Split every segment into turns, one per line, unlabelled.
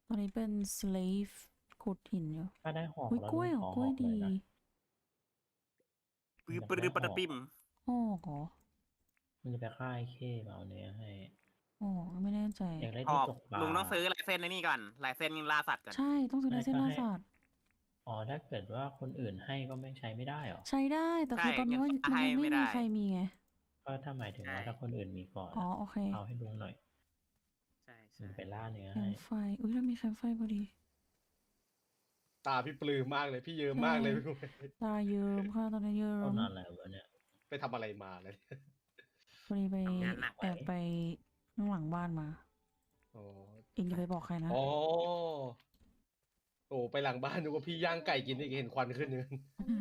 ตอนนี้เป็น slave ขุดหินอยู่
ถ้าได้หอก
อุ้ย
แล้ว
กล้วยเหร
ข
อ
อก
ล้วย
หอกเล
ดี
ยนะ
ปื้อปื้อปะตะปิม
หอกเหรอ
มันจะไปฆ่าไอ้เข้มาเอาเนื้อให้
อ๋อไม่แน่ใจ
อยากได้
ห
ที่
อก
ตกปลา
ลุงต้องซื้อลายเส้นในนี่ก่อนลายเส้นล่าสัตว์ก่อน
ใช่ต้องซื้อลายเส้นล่าสัตว์
อ๋อถ้าเกิดว่าคนอื่นให้ก็ไม่ใช้ไม่ได้หรอ
ใช้ได้แต่คือตอนนี้มันยังไม่มีใครมีไง
ก็ถ้าหมายถึงว่าถ้าคนอื่นมีก่อน
อ๋อโอเค
เอาให้ลุงหน่อย
ใช่
ลุงไปล่าเนื้อ
แค
ให้
มป์ไฟอุ้ยเรามีแคมป์ไฟพอดี
ตาพี่ปลื้มมากเลยพี่เยิ้มมากเลยพี่
ตาเยิ้มค่ะตอนนี้เยิ้
ต้น
ม
อะไรวะเนี่ย
ไปทำอะไรมาเลย
พอดีไป
ทำงานหนัก
แอบไปข้างหลังบ้านมา
อ๋อ
เองจะไปบอกใครนะ
อ๋อโอ้ไปหลังบ้านดูว่าพี่ย่างไก่กินอีกเห็นควันขึ้นนึง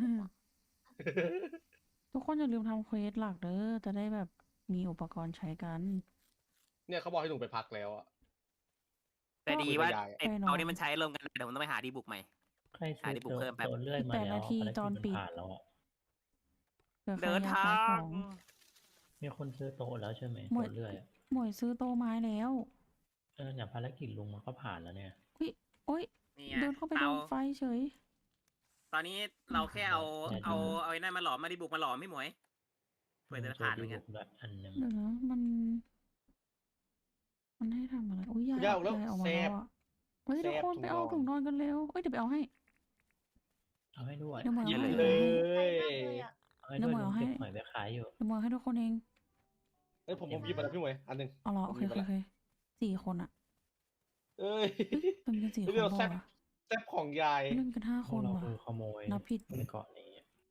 ทุกคนอย่าลืมทำเควสหลักเด้อจะได้แบบมีอุปกรณ์ใช้กัน
เนี่ยเขาบอกให้หนูไปพักแล้วอ่ะ
แต่ดีว่า
ก็
ไอ้เอานี่มันใช้รวมกันเดี๋ยวผมต้องไปหาดีบุกใหม่
ใครซื้อ
หาที่ปลูกเพิ่มแป๊บ
ตัวเลื่อยมา
แปด
แล้ว
นาที
ภารกิจ
จอนปิด
ผ่านแล้วอะ
เผื่อใคร
เดิน
อยาก
ทา
ขายของ ง
มีคนซื้อโต๊ะแล้วใช่ไหม
หมด
ตัวเลื่อยอะ
หมวยซื้อโต๊ะไม้แล้ว
เนี่ยภารกิจลุงมันก็ผ่านแล้วเนี่ย
โอ๊ย
นี่ไง
เดินเข้าไปโด
เอา
นไฟเฉย
ตอนนี้เราแค่เอาไอ้นั่นมาหลอมมาดีบุกมาหลอมไม่หมวยเพื่อจะผ่านเหมือนกัน
แบบอันหนึ่ง
เดี๋ยวนะมันให้ทำอะไรอุ้ยยาย
ยายออกแล้ว
ยายออกมา
แซ่
แล้
บ
วอ่ะเฮ้ย
แซ่
ทุก
บ
คนไปเอา
ถุ
ถุง
ง
น
น
อ
อน น
กันเร็วเอ้ยเดี๋ยวไปเอาให้
เอาให้ด้วย
เดี๋ยวหมวย
เย
เอา
อะ
ให้
เลย
เลย
เอาให้ด้วย
เดี๋ยวหมวย
ลุ
เอา
ง
ให้
เก็บหอยไปขายอยู่
เดี๋ยวหมวยให้ทุกคนเอง
เอ้ยผมหยิบมาแล้วพี่หมวยอันหนึง
เอาเหรอโอเค
ผมมี
โอเค
เวลา
โอเค4 คนอ่ะ
เอ้ย
เป็นกัน4 คน
เรื่อง
เป
แซ่
ล่า
บ
วะ
แซ่บของยาย
เล่นกัน5
พ
คว
ก
น
เรา
ว่ะ
คือขโมย
นับผิด
ในเกาะนี้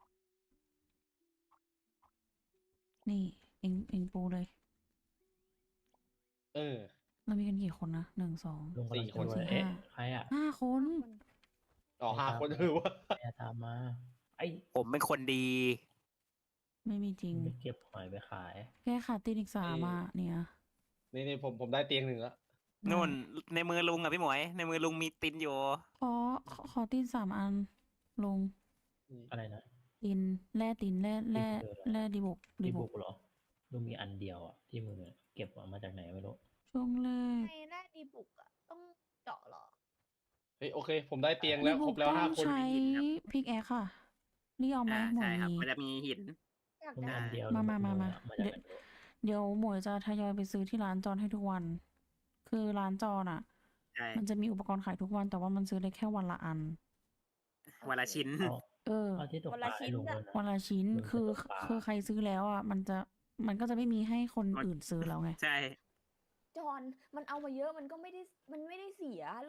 นี่เองปูเลย
เออ
เรามีกันกี่คนนะ1 2
ลุงกำลัง
4 คน
จะ
สี่
เอ๊ะ
ห้า
ใครอ่ะ
5 คน
อ๋อ5 คนว่า
ใครอะตามมา ไอ้
ผมเป็นคนดี
ไม่มีจริง
ไปเก็บหอยไปขาย
แค่ขาดตีนอีก3อ่ะเนี่ย
นี่ผมได้เตียงหนึ่งแล้ว
นู่นในมือลุงอะพี่หมวย ในมือลุงมีตินอยู่
ขอตีน3 อันลง
อะไรนะ
ตีนแร่ตีนแร่ดีบุก
ดีบุกเหรอลุงมีอันเดียวอ่ะที่มือเก็บออกมาจากไหนไม่รู้
ช่วงแรก
ในแร่ดีบุกอะต้องเจาะเหรอ
เฮ้ยโอเค ผมได้เตียงแล้ว
ดี
ค
บุ
ร
ก
บแล้ว
ต้อง
5 คน
ใช้พิกแอคค่ะนี่เอาไหมหมว
ใช่
ย
ครับ
มี
มันจะมีหิน
อยาก
ลุง
ได้
อันเดียว
มา
ลุง
มา
จากไหนไม่รู้
เดี๋ยวหมวยจะทยอยไปซื้อที่ร้านจอนให้ทุกวัน คือร้านจอนอ่ะ
ใช่
มันจะมีอุปกรณ์ขายทุกวันแต่ว่ามันซื้อได้แค่วันละอัน
วันละชิ้น
เอา
เออ
เอาที่ตกปลาให้ลุงด้วยนะ
วันละชิ้น
มันจะ
คือ
ตกปลา
คือใครซื้อแล้วอ่ะมันก็จะไม่มีให้คนอื่นซื้อแล้วไง
ใช่
จอนมันเอามาเยอะมันก็ไม่ได้เสีย